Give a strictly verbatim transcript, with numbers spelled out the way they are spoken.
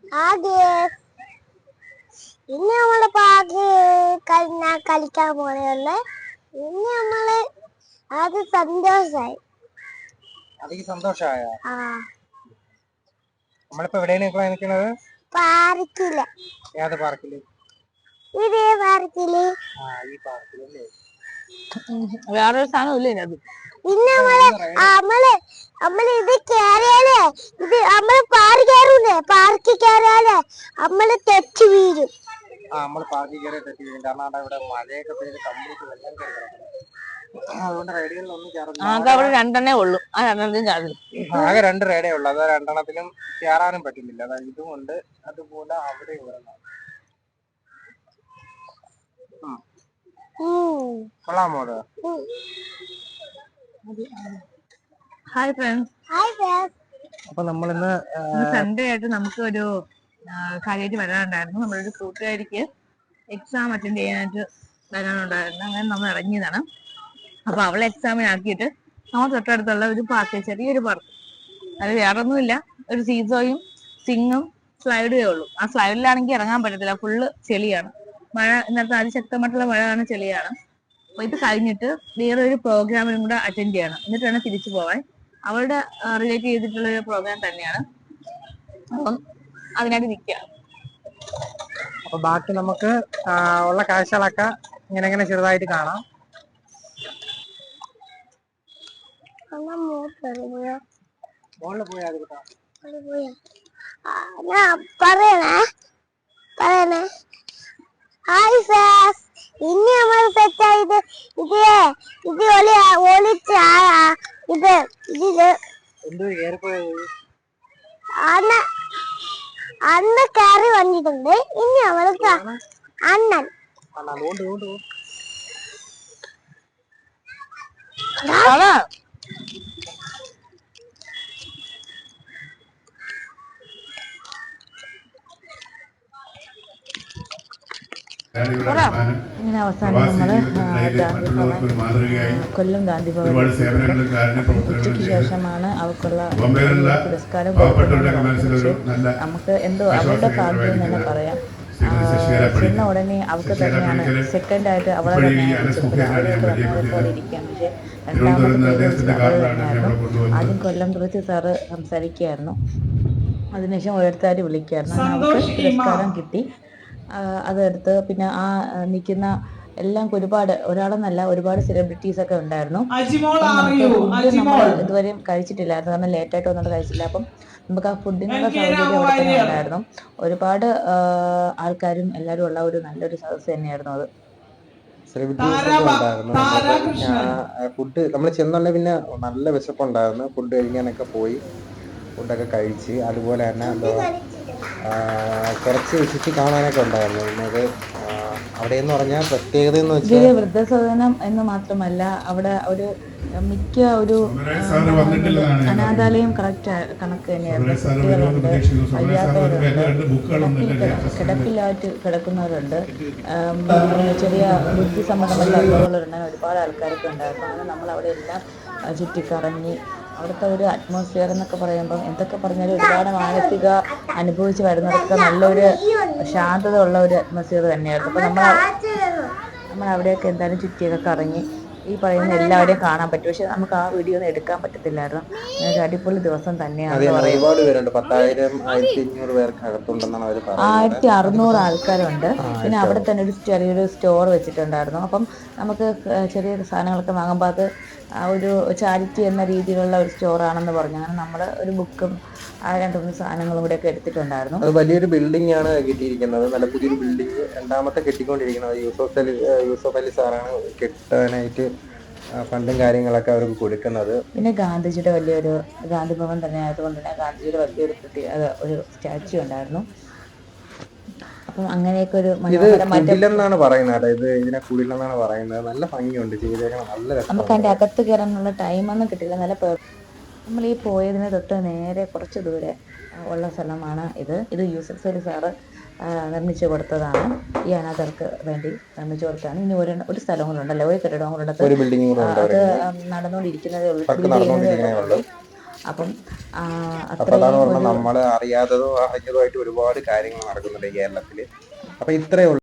ആദ്യം ഇന്ന് നമ്മള് പാർക്ക് കളിക്കാൻ പോലെയുള്ള ഇന്ന് നമ്മള് അത് സന്തോഷായി. അതിക്ക് സന്തോഷായോ? ആ നമ്മളിപ്പോ എവിടെയാണ് നിൽക്കുന്നത്? പാർക്കില്. ഏത് പാർക്കില്? ഇതേ പാർക്കില്. ആ ഈ പാർക്കിലല്ലേ. വേറൊരു സാധനം ഇല്ലേ അത്? പിന്നെ നമ്മള് നമ്മള് നമ്മള് ഇത് കേറിയാലേ ഇത് നമ്മള് പാർക്ക് കയറൂലേ, പാർക്ക് കയറിയാലേ നമ്മള് തെറ്റി വീഴും. ആ നമ്മള് പാർക്കിൽ കയറി തെറ്റി വീഴും. കാരണം ഇവിടെ മഴയൊക്കെ പെയ്ത് കംപ്ലീറ്റ് വെള്ളം കയറി കിടക്കുന്നു. അതുകൊണ്ട് റൈഡുകളിലൊന്നും ആകെ അവിടെ രണ്ടെണ്ണേ ഉള്ളൂ. ആ രണ്ടെണ്ണത്തിലും ചാടില്ല. ആകെ രണ്ട് റൈഡേ ഉള്ളു. അത് രണ്ടെണ്ണത്തിലും കയറാനും പറ്റുന്നില്ല. അതായത് ഇതുകൊണ്ട് അതുപോലെ അവിടെ കൊള്ളാമോ അത്? Hi friends. Hi friends. അപ്പൊ നമ്മളിന്ന് സൺഡേ ആയിട്ട് നമുക്ക് ഒരു കാര്യമായിട്ട് വരാനുണ്ടായിരുന്നു. നമ്മളൊരു കൂട്ടുകാരിക്ക് എക്സാം അറ്റൻഡ് ചെയ്യാനായിട്ട് വരാനുണ്ടായിരുന്നു. അങ്ങനെ നമ്മൾ ഇറങ്ങിയതാണ്. അപ്പൊ അവളെ എക്സാമിനാക്കിയിട്ട് നമ്മൾ തൊട്ടടുത്തുള്ള ഒരു പാർക്ക്, ചെറിയൊരു പാർക്ക്, അത് വേറൊന്നുമില്ല, ഒരു സീസോയും സിങ്ങും സ്ലൈഡേ ഉള്ളൂ. ആ സ്ലൈഡിലാണെങ്കിൽ ഇറങ്ങാൻ പറ്റത്തില്ല, ഫുള്ള് ചെളിയാണ്. മഴ ഇന്നത്തെ അതിശക്തമായിട്ടുള്ള മഴ ആണ്, ചെളിയാണ്. അപ്പൊ ഇത് കഴിഞ്ഞിട്ട് വേറെ ഒരു പ്രോഗ്രാമിനും കൂടെ അറ്റൻഡ് ചെയ്യണം, എന്നിട്ട് വേണം തിരിച്ചു പോവാൻ. അവളുടെ റിലേറ്റ് ചെയ്തിട്ടുള്ള ഒരു പ്രോഗ്രാം തന്നെയാണ്. അപ്പം അതിനായിട്ട് നിൽക്കുക. അപ്പൊ ബാക്കി നമുക്ക് ഉള്ള കാഴ്ചകളൊക്കെ ഇങ്ങനെ ഇങ്ങനെ ചെറുതായിട്ട് കാണാം. മോളില് പോയാ പറയണേ പറയണേ ഹായ് ഫാസ്. ഇനി നമ്മൾ സെറ്റായത് ഇത് ഇത് ഒളി ഒളിച്ച ഇത് ഇതില് എന്തോ ഏറിപ്പോയത് അന്ന് അന്ന് കയറി വന്നിട്ടുണ്ട്. ഇനി അവൾക്ക് അണ്ണൻ ഇങ്ങനെ അവസാനം നമ്മള് ഗാന്ധി ഭവൻ, കൊല്ലം ഗാന്ധി ഭവൻ ഉച്ചയ്ക്ക് ശേഷമാണ് അവൾക്കുള്ള പുരസ്കാരം കൊടുക്കുന്നത്. നമുക്ക് എന്തോ അവളുടെ ഭാഗ്യം എന്ന് തന്നെ പറയാം. ചെന്ന ഉടനെ അവൾക്ക് തന്നെയാണ് സെക്കൻഡ് ആയിട്ട് അവളെ തന്നെയാണ് പോലെ ഇരിക്കാം. പക്ഷെ രണ്ടാമത്തെ അവൾ തന്നെയായിരുന്നു. ആദ്യം കൊല്ലം തുറച്ച് സാറ് സംസാരിക്കുകയായിരുന്നു, അതിനുശേഷം ഓരോരുത്തരും വിളിക്കുകയായിരുന്നു. അവൾക്ക് പുരസ്കാരം കിട്ടി. അതെടുത്ത് പിന്നെ ആ നിൽക്കുന്ന എല്ലാം ഒരുപാട്, ഒരാളെന്നല്ല ഒരുപാട് സെലിബ്രിറ്റീസ് ഒക്കെ ഉണ്ടായിരുന്നു. ഫുഡ് നമ്മൾ ഇതുവരെയും കഴിച്ചിട്ടില്ലായിരുന്നു, കാരണം ലേറ്റായിട്ട് വന്നിട്ട് കഴിച്ചില്ല. അപ്പം നമുക്ക് ആ ഫുഡിനുള്ള സൗകര്യം അവിടെ തന്നെ ഉണ്ടായിരുന്നു. ഒരുപാട് ആൾക്കാരും എല്ലാവരും ഉള്ള ഒരു നല്ലൊരു സദസ്സ് തന്നെയായിരുന്നു അത്. സെലിബ്രിറ്റീസ് ഒക്കെ ഉണ്ടായിരുന്നു. ഫുഡ് നമ്മൾ ചെന്നുണ്ടെ പിന്നെ നല്ല വിശപ്പുണ്ടായിരുന്നു. ഫുഡ് കഴിക്കാനൊക്കെ പോയി, ഫുഡൊക്കെ കഴിച്ച്. അതുപോലെ തന്നെ എന്തോ കുറച്ച് ചുറ്റി കാണാനൊക്കെ ഉണ്ടായിരുന്നു. പിന്നെ അവിടെ എന്ന് പറഞ്ഞാൽ പ്രത്യേകത എന്ന് വെച്ചാൽ വൃദ്ധസദനം എന്ന് മാത്രമല്ല, അവിടെ ഒരു മിക്ക ഒരു അനാഥാലയം കറക്റ്റ് കണക്ക് തന്നെയായിരുന്നു. കുട്ടികളുണ്ട്, വയ്യാത്തവരുണ്ട്, കിടപ്പില്ലാറ്റ് കിടക്കുന്നവരുണ്ട്, ചെറിയ ബുദ്ധി സംബന്ധമല്ലാത്തവരുണ്ട്, ഒരുപാട് ആൾക്കാരൊക്കെ ഉണ്ടായിരുന്നു. അങ്ങനെ നമ്മൾ അവിടെ എല്ലാം ചുറ്റിക്കറങ്ങി. അവിടുത്തെ ഒരു അറ്റ്മോസ്ഫിയർ എന്നൊക്കെ പറയുമ്പം എന്തൊക്കെ പറഞ്ഞാലും ഒരുപാട് മാനസിക അനുഭവിച്ച് വരുന്നവർക്ക് നല്ലൊരു ശാന്തത ഉള്ള ഒരു അറ്റ്മോസ്ഫിയർ തന്നെയായിരുന്നു. അപ്പോൾ നമ്മൾ നമ്മൾ അവിടെയൊക്കെ എന്തായാലും ചുറ്റിയൊക്കെ കറങ്ങി ഈ പറയുന്ന എല്ലാവരെയും കാണാൻ പറ്റും. പക്ഷെ നമുക്ക് ആ വീഡിയോ ഒന്നും എടുക്കാൻ പറ്റത്തില്ലായിരുന്നു. ഒരു അടിപൊളി ദിവസം തന്നെയാണ്. ആയിരത്തി അറുന്നൂറ് ആൾക്കാരുണ്ട്. പിന്നെ അവിടെ തന്നെ ഒരു ചെറിയൊരു സ്റ്റോർ വെച്ചിട്ടുണ്ടായിരുന്നു. അപ്പം നമുക്ക് ചെറിയ സാധനങ്ങളൊക്കെ വാങ്ങുമ്പോൾ അത് ഒരു ചാരിറ്റി എന്ന രീതിയിലുള്ള ഒരു സ്റ്റോറാണെന്ന് പറഞ്ഞു. അങ്ങനെ നമ്മൾ ഒരു ബുക്കും ആ രണ്ട് മൂന്ന് സാധനങ്ങളും കൂടെ ഒക്കെ എടുത്തിട്ടുണ്ടായിരുന്നു. അത് വലിയൊരു ബിൽഡിംഗ് ആണ് കിട്ടിയിരിക്കുന്നത്, നല്ല പുതിയൊരു ബിൽഡിംഗ്, രണ്ടാമത്തെ കെട്ടിക്കൊണ്ടിരിക്കുന്നത്. യൂസഫ് അലി യൂസഫ് അലി സാറാണ് കെട്ടാനായിട്ട് ഫണ്ടും കാര്യങ്ങളൊക്കെ അവർക്ക് കൊടുക്കുന്നത്. പിന്നെ ഗാന്ധിജിയുടെ വലിയൊരു ഗാന്ധി ഭവൻ തന്നെ ആയതുകൊണ്ട് തന്നെ ഗാന്ധിജിയുടെ വലിയൊരു പ്രത്യേക ഒരു സ്റ്റാച്യു ഉണ്ടായിരുന്നു. അപ്പം അങ്ങനെയൊക്കെ ഒരു മനോഹരമായിട്ടാണ് പറയുന്നത്. ഇത് ഇതിനെ കുടിലെന്നാണ് പറയുന്നത്. നല്ല ഭംഗിയുണ്ട്, ചെയ്തേക്കണം, നല്ല രസം. നമുക്ക് അതിൻ്റെ അകത്ത് കയറാനുള്ള ടൈമൊന്നും കിട്ടില്ല. നല്ല നമ്മൾ ഈ പോയതിന് തൊട്ട് നേരെ കുറച്ച് ദൂരെ ഉള്ള സ്ഥലമാണ് ഇത്. ഇത് യൂസഫ് അലി സാറ് നിർമ്മിച്ചു കൊടുത്തതാണ്. ഈ അനാഥർക്ക് വേണ്ടി നിർമ്മിച്ചു കൊടുത്തതാണ്. ഇനി ഒരു ഒരു സ്ഥലം കൂടെ ഉണ്ടല്ലോ, ഒരു കെട്ടിടവും കൂടെ അത് നടന്നുകൊണ്ടിരിക്കുന്നതേ ഉള്ളൂ. അപ്പം ആ, അപ്പൊ അതാണ് അത്രയും പറഞ്ഞത്, ഒരു നമ്മള് അറിയാത്തതും അറിഞ്ഞതുമായിട്ട് ഒരുപാട് കാര്യങ്ങൾ നടക്കുന്നുണ്ട് ഈ കേരളത്തില്. അപ്പൊ ഇത്രയേ ഉള്ളൂ.